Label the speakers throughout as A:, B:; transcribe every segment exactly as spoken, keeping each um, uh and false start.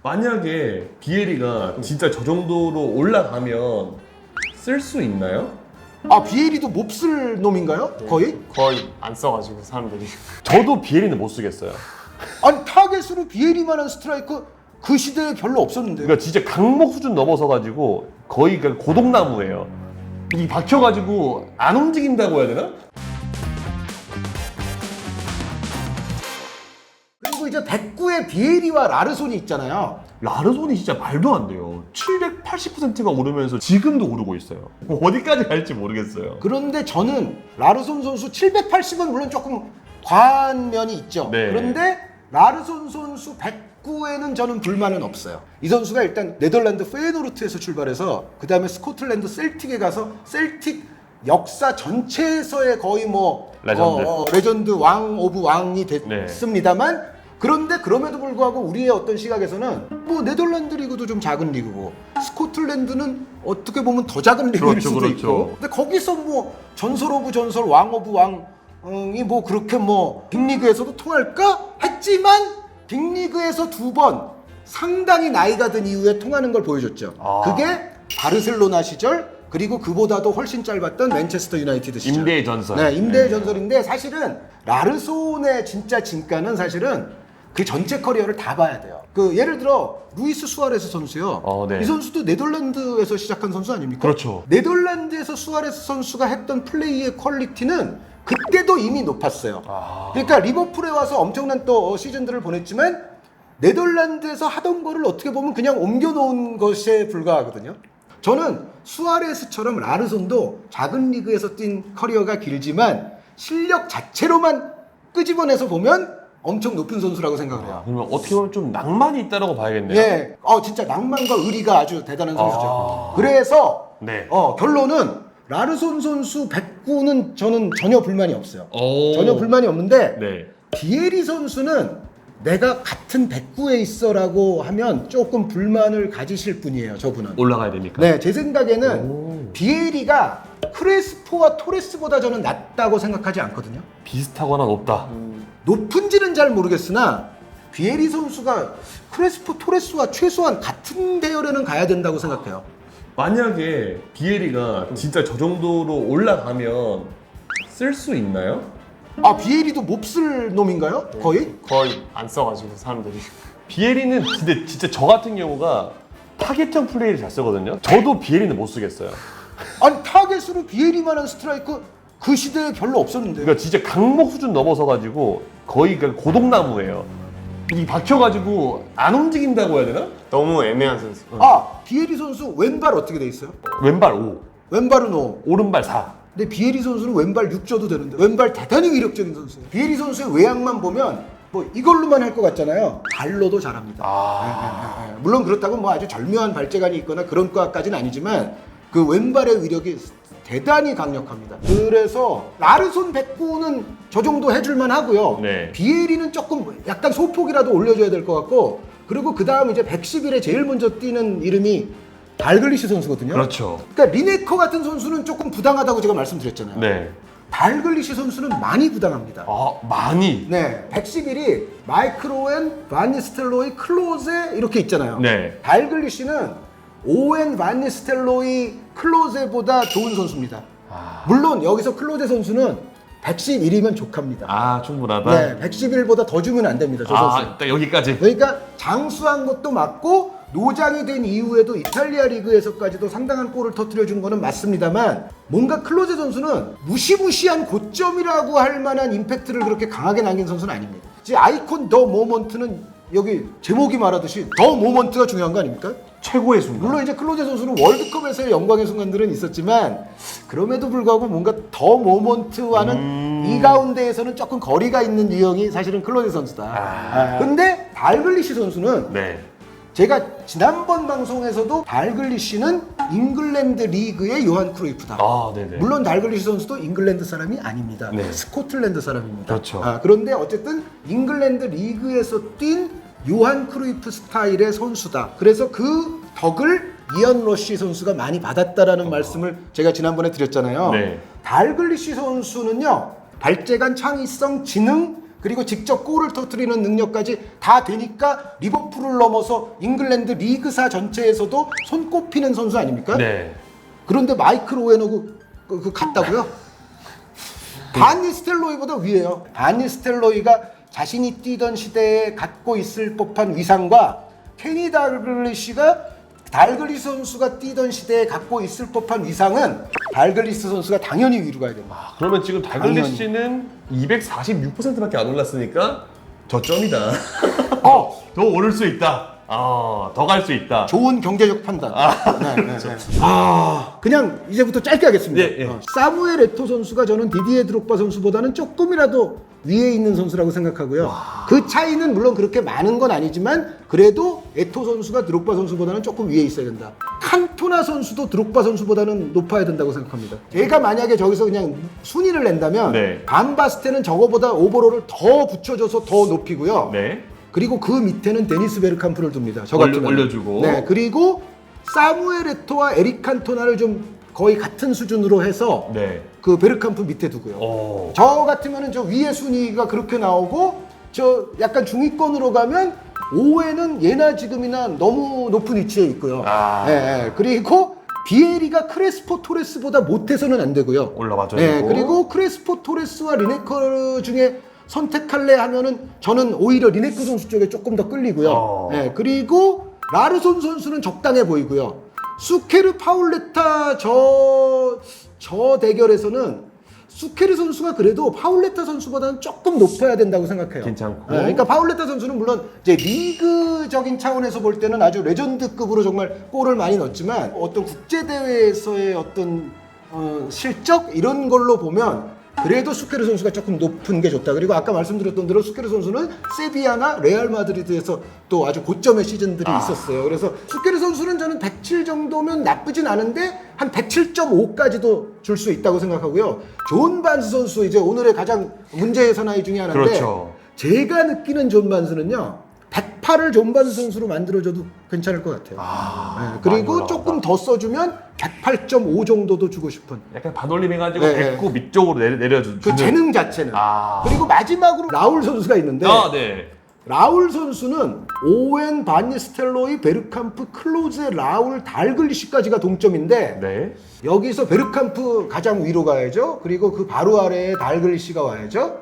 A: 만약에 비에리가 진짜 저 정도로 올라가면 쓸 수 있나요?
B: 아, 비에리도 몹쓸 놈인가요? 거의?
C: 거의 안 써가지고 사람들이.
A: 저도 비에리는 못 쓰겠어요.
B: 아니, 타겟으로 비에리만한 스트라이커 그 시대에 별로 없었는데요.
A: 그러니까 진짜 강목 수준 넘어서 가지고 거의 그냥 고독나무예요. 이 박혀가지고 안 움직인다고 해야 되나?
B: 그리고 이제 백구의 비에리와 라르손이 있잖아요.
A: 라르손이 진짜 말도 안 돼요. 칠백팔십 퍼센트가 오르면서 지금도 오르고 있어요. 어디까지 갈지 모르겠어요.
B: 그런데 저는 라르손 선수 칠백팔십은 물론 조금 과한 면이 있죠.
A: 네.
B: 그런데 라르손 선수 백구에는 저는 불만은 없어요. 이 선수가 일단 네덜란드 페예노르트에서 출발해서 그 다음에 스코틀랜드 셀틱에 가서 셀틱 역사 전체에서의 거의 뭐
A: 레전드.
B: 어, 어, 레전드 왕 오브 왕이
A: 네.
B: 됐습니다만 그런데 그럼에도 불구하고 우리의 어떤 시각에서는 뭐 네덜란드 리그도 좀 작은 리그고 스코틀랜드는 어떻게 보면 더 작은 리그일
A: 그렇죠,
B: 수도
A: 그렇죠.
B: 있고 근데 거기서 뭐 전설 오브 전설 왕 오브 왕이 뭐 그렇게 뭐 빅리그에서도 통할까 했지만 빅리그에서 두 번 상당히 나이가 든 이후에 통하는 걸 보여줬죠.
A: 아.
B: 그게 바르셀로나 시절 그리고 그보다도 훨씬 짧았던 맨체스터 유나이티드 시절.
A: 임대의 전설.
B: 네, 임대의
A: 네.
B: 전설인데 사실은 라르손의 진짜 진가는 사실은 그 전체 커리어를 다 봐야 돼요. 그 예를 들어 루이스 수아레스 선수요.
A: 어, 네.
B: 이 선수도 네덜란드에서 시작한 선수 아닙니까?
A: 그렇죠.
B: 네덜란드에서 수아레스 선수가 했던 플레이의 퀄리티는 그때도 이미 높았어요.
A: 아.
B: 그러니까 리버풀에 와서 엄청난 또 시즌들을 보냈지만 네덜란드에서 하던 거를 어떻게 보면 그냥 옮겨놓은 것에 불과하거든요. 저는 수아레스처럼 라르손도 작은 리그에서 뛴 커리어가 길지만 실력 자체로만 끄집어내서 보면 엄청 높은 선수라고 생각을 해요.
A: 그러면 어떻게 보면 좀 낭만이 있다라고 봐야겠네요.
B: 예, 어 진짜 낭만과 의리가 아주 대단한 선수죠.
A: 아.
B: 그래서
A: 네.
B: 어 결론은 라르손 선수 백구는 저는 전혀 불만이 없어요.
A: 오.
B: 전혀 불만이 없는데
A: 네.
B: 비에리 선수는 내가 같은 백구에 있어라고 하면 조금 불만을 가지실 분이에요. 저분은.
A: 올라가야 됩니까?
B: 네, 제 생각에는
A: 오.
B: 비에리가 크레스포와 토레스보다 저는 낫다고 생각하지 않거든요.
A: 비슷하거나 높다.
B: 높은지는 잘 모르겠으나 비에리 선수가 크레스포 토레스와 최소한 같은 대열에는 가야 된다고 생각해요.
A: 만약에 비에리가 진짜 저 정도로 올라가면 쓸 수 있나요?
B: 아, 비에리도 몹쓸 놈인가요? 거의?
C: 거의 안 써가지고 사람들이.
A: 비에리는 근데 진짜 저 같은 경우가 타겟형 플레이를 잘 쓰거든요. 저도 비에리는 못 쓰겠어요.
B: 아니, 타겟으로 비에리만한 스트라이커 그 시대에 별로 없었는데요.
A: 그러니까 진짜 강목 수준 넘어서 가지고 거의 그냥 고독나무예요. 이 박혀가지고 안 움직인다고 해야 되나?
C: 너무 애매한 선수.
B: 아, 비에리 선수 왼발 어떻게 돼 있어요?
A: 왼발 오,
B: 왼발은 오.
A: 오른발 사.
B: 근데 비에리 선수는 왼발 육 줘도 되는데 왼발 대단히 위력적인 선수예요. 비에리 선수의 외양만 보면 뭐 이걸로만 할 것 같잖아요. 발로도 잘합니다.
A: 아.
B: 네, 네, 네. 물론 그렇다고 뭐 아주 절묘한 발재간이 있거나 그런 것까지는 아니지만 그 왼발의 위력이 대단히 강력합니다. 그래서 라르손 백구는 저 정도 해줄만 하고요.
A: 네.
B: 비에리는 조금 약간 소폭이라도 올려줘야 될 것 같고 그리고 그 다음 이제 백십일에 제일 먼저 뛰는 이름이 달글리시 선수거든요.
A: 그렇죠.
B: 그러니까 리네커 같은 선수는 조금 부당하다고 제가 말씀드렸잖아요.
A: 네.
B: 달글리시 선수는 많이 부당합니다.
A: 아 많이.
B: 네, 백십일이 마이크로엔, 바니스텔로이, 클로제 이렇게 있잖아요.
A: 네.
B: 달글리시는 오웬, 바니스텔로이, 클로제보다 좋은 선수입니다.
A: 아,
B: 물론 여기서 클로제 선수는 백십일이면 족합니다.
A: 아 충분하다.
B: 네, 백십일보다 더 주면 안 됩니다. 저 선수.
A: 아, 딱 여기까지.
B: 그러니까 장수한 것도 맞고 노장이 된 이후에도 이탈리아 리그에서까지도 상당한 골을 터뜨려준 거는 맞습니다만 뭔가 클로제 선수는 무시무시한 고점이라고 할 만한 임팩트를 그렇게 강하게 남긴 선수는 아닙니다. 이제 아이콘 더 모먼트는 여기 제목이 말하듯이 더 모먼트가 중요한 거 아닙니까?
A: 최고의 순간.
B: 물론 이제 클로제 선수는 월드컵에서의 영광의 순간들은 있었지만 그럼에도 불구하고 뭔가 더 모먼트와는
A: 음...
B: 이 가운데에서는 조금 거리가 있는 유형이 사실은 클로제 선수다.
A: 아...
B: 근데 달글리시 선수는
A: 네.
B: 제가 지난번 방송에서도 달글리시는 잉글랜드 리그의 요한 크루이프다.
A: 아, 네네.
B: 물론 달글리시 선수도 잉글랜드 사람이 아닙니다.
A: 네.
B: 스코틀랜드 사람입니다.
A: 그렇죠.
B: 아, 그런데 어쨌든 잉글랜드 리그에서 뛴 요한 크루이프 스타일의 선수다. 그래서 그 덕을 이언 러시 선수가 많이 받았다라는 어. 말씀을 제가 지난번에 드렸잖아요.
A: 네.
B: 달글리시 선수는요, 발재간, 창의성, 지능, 그리고 직접 골을 터뜨리는 능력까지 다 되니까 리버풀을 넘어서 잉글랜드 리그사 전체에서도 손꼽히는 선수 아닙니까?
A: 네.
B: 그런데 마이클 오웬하고 그, 그 같다고요? 반 니스텔로이보다 위에요. 반 니스텔로이가 자신이 뛰던 시대에 갖고 있을 법한 위상과 케니 달글리시가 달글리스 선수가 뛰던 시대에 갖고 있을 법한 위상은 달글리스 선수가 당연히 위로 가야 됩니다.
A: 아, 그러면 지금 달글리시는 이백사십육 퍼센트밖에 안 올랐으니까 저점이다.
B: 어,
A: 더 오를 수 있다. 아, 더 갈 수 있다.
B: 좋은 경제적 판단. 네, 네, 네. 아, 그냥 이제부터 짧게 하겠습니다.
A: 예, 예.
B: 어, 사무엘 에토 선수가 저는 디디에 드록바 선수보다는 조금이라도 위에 있는 선수라고 생각하고요. 와. 그 차이는 물론 그렇게 많은 건 아니지만 그래도 에토 선수가 드록바 선수보다는 조금 위에 있어야 된다. 칸토나 선수도 드록바 선수보다는 높아야 된다고 생각합니다. 제가 만약에 저기서 그냥 순위를 낸다면
A: 네.
B: 반바스테는 저거보다 오버롤을 더 붙여줘서 더 높이고요.
A: 네.
B: 그리고 그 밑에는 데니스 베르캄프를 둡니다. 저
A: 올려-
B: 같은
A: 올려주고.
B: 네, 그리고 사무엘 에토와 에릭 칸토나를 좀 거의 같은 수준으로 해서
A: 네.
B: 그 베르캄프 밑에 두고요.
A: 오.
B: 저 같으면은 저 위에 순위가 그렇게 나오고 저 약간 중위권으로 가면 오웨는 예나 지금이나 너무 높은 위치에 있고요.
A: 아.
B: 예, 예. 그리고 비에리가 크레스포 토레스보다 못해서는 안 되고요.
A: 올라가죠.
B: 예, 그리고 크레스포 토레스와 리네커 중에 선택할래 하면은 저는 오히려 리네커 선수 쪽에 조금 더 끌리고요.
A: 어.
B: 예, 그리고 라르손 선수는 적당해 보이고요. 수케르 파울레타 저, 저 대결에서는 수케르 선수가 그래도 파울레타 선수보다는 조금 높아야 된다고 생각해요.
A: 괜찮고.
B: 예, 그러니까 파울레타 선수는 물론 이제 리그적인 차원에서 볼 때는 아주 레전드급으로 정말 골을 많이 넣었지만 어떤 국제 대회에서의 어떤 어, 실적 이런 걸로 보면 그래도 수케르 선수가 조금 높은 게 좋다. 그리고 아까 말씀드렸던 대로 수케르 선수는 세비야나 레알 마드리드에서 또 아주 고점의 시즌들이
A: 아.
B: 있었어요. 그래서 수케르 선수는 저는 백칠 정도면 나쁘진 않은데 한 백칠 점 오까지도 줄 수 있다고 생각하고요. 존 반스 선수 이제 오늘의 가장 문제의 사나이 중에 하나인데
A: 그렇죠.
B: 제가 느끼는 존 반스는요. 백팔을 존 반스 선수로 만들어줘도 괜찮을 것 같아요.
A: 아,
B: 네,
A: 많이
B: 그리고
A: 올라간다.
B: 조금 더 써주면 백팔 점 오 정도도 주고 싶은
A: 약간 반올림 해가지고
B: 네,
A: 백구 밑쪽으로 내려, 내려주는.
B: 그 재능 자체는.
A: 아.
B: 그리고 마지막으로 라울 선수가 있는데
A: 아, 네.
B: 라울 선수는 오웬, 바니스텔로이, 베르캄프, 클로제, 라울, 달글리시까지가 동점인데
A: 네.
B: 여기서 베르캄프 가장 위로 가야죠. 그리고 그 바로 아래에 달글리시가 와야죠.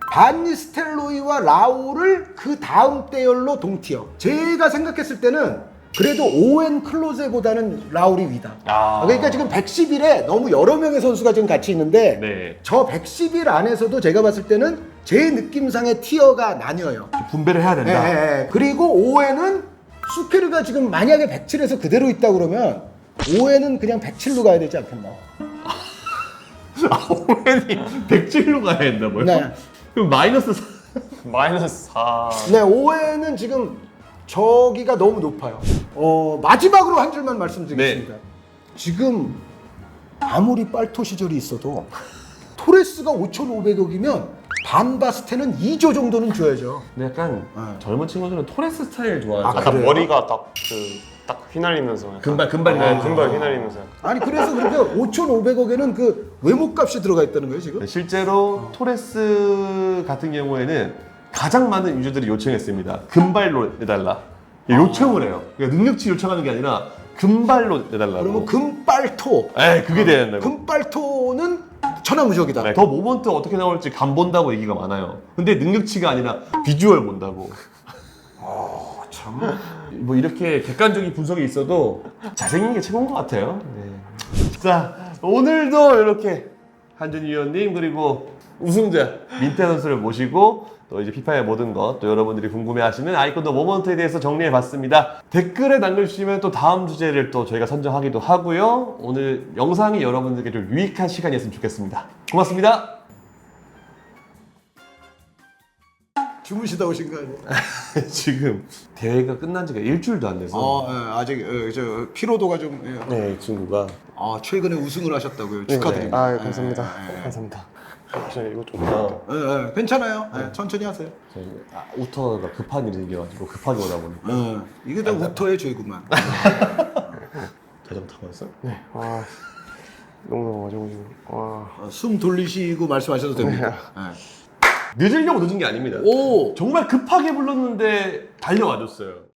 B: 바니스텔로이와 라울을 그 다음 대열로 동티어. 제가 생각했을 때는 그래도 오웬 클로제보다는 라울이 위다.
A: 아.
B: 그러니까 지금 백십일에 너무 여러 명의 선수가 지금 같이 있는데
A: 네.
B: 저 백십일 안에서도 제가 봤을 때는 제 느낌상의 티어가 나뉘어요.
A: 분배를 해야 된다.
B: 예, 예, 예. 그리고 오웬은 수케르가 지금 만약에 백칠에서 그대로 있다 그러면 오웬은 그냥 백칠로 가야 되지 않겠나?
A: 아, 오웬이 백칠로 가야 된다고요?
B: 네.
A: 그럼 마이너스 사.
C: 마이너스 사.
B: 네, 오웬은 지금 저기가 너무 높아요. 어, 마지막으로 한 줄만 말씀드리겠습니다.
A: 네.
B: 지금 아무리 빨토 시절이 있어도 토레스가 오천오백억이면 반바스테는 이조 정도는 줘야죠.
A: 근데 약간
B: 네.
A: 젊은 친구들은 토레스 스타일 좋아하죠.
B: 아,
C: 아까
B: 그래요?
C: 머리가 딱 그 딱 휘날리면서 약간.
A: 금발, 금발
C: 네,
A: 휘날리면서.
C: 금발 휘날리면서 약간.
B: 아니 그래서 그렇게 오천오백억에는 그 외모값이 들어가 있다는 거예요 지금?
A: 네, 실제로 토레스 같은 경우에는 가장 많은 유저들이 요청했습니다. 금발로 내달라. 요청을 해요. 그러니까 능력치 요청하는 게 아니라 금발로 내달라고.
B: 그러면 금빨토.
A: 에이, 그게 돼야 된다고.
B: 금빨토는 천하무적이다.
A: 네, 더 모먼트 어떻게 나올지 간 본다고 얘기가 많아요. 근데 능력치가 아니라 비주얼 본다고.
B: 어, 참.
A: 뭐 이렇게 객관적인 분석이 있어도 잘생긴 게 최고인 것 같아요. 네. 자, 오늘도 이렇게 한준희 위원님 그리고 우승자 민태 선수를 모시고 또 이제 피파의 모든 것 또 여러분들이 궁금해하시는 아이콘도 모먼트에 대해서 정리해봤습니다. 댓글에 남겨주시면 또 다음 주제를 또 저희가 선정하기도 하고요. 오늘 영상이 여러분들께 좀 유익한 시간이었으면 좋겠습니다. 고맙습니다.
B: 주무시다 오신 거 아니에요?
A: 지금 대회가 끝난 지가 일주일도 안 돼서
B: 어, 예, 아직 예, 저 피로도가 좀. 예.
A: 네, 이 친구가
B: 아 최근에 우승을 하셨다고요? 축하드립니다.
C: 아,
B: 예,
C: 감사합니다.
B: 예, 예.
C: 감사합니다. 저 이거 좀.
A: 어,
B: 예, 예, 괜찮아요. 예, 천천히 하세요.
A: 저희 아, 우터가 급한 일이 생겨가지고 급하게 오다 보니까
B: 예, 이게 다 우터의 죄구만.
A: 자전거 타고 왔어?
C: 네. 와. 너무 너무 어려워 지금. 와.
B: 어, 숨 돌리시고 말씀하셔도 됩니다. 예.
A: 늦으려고 늦은 게 아닙니다.
B: 오.
A: 정말 급하게 불렀는데 달려와줬어요.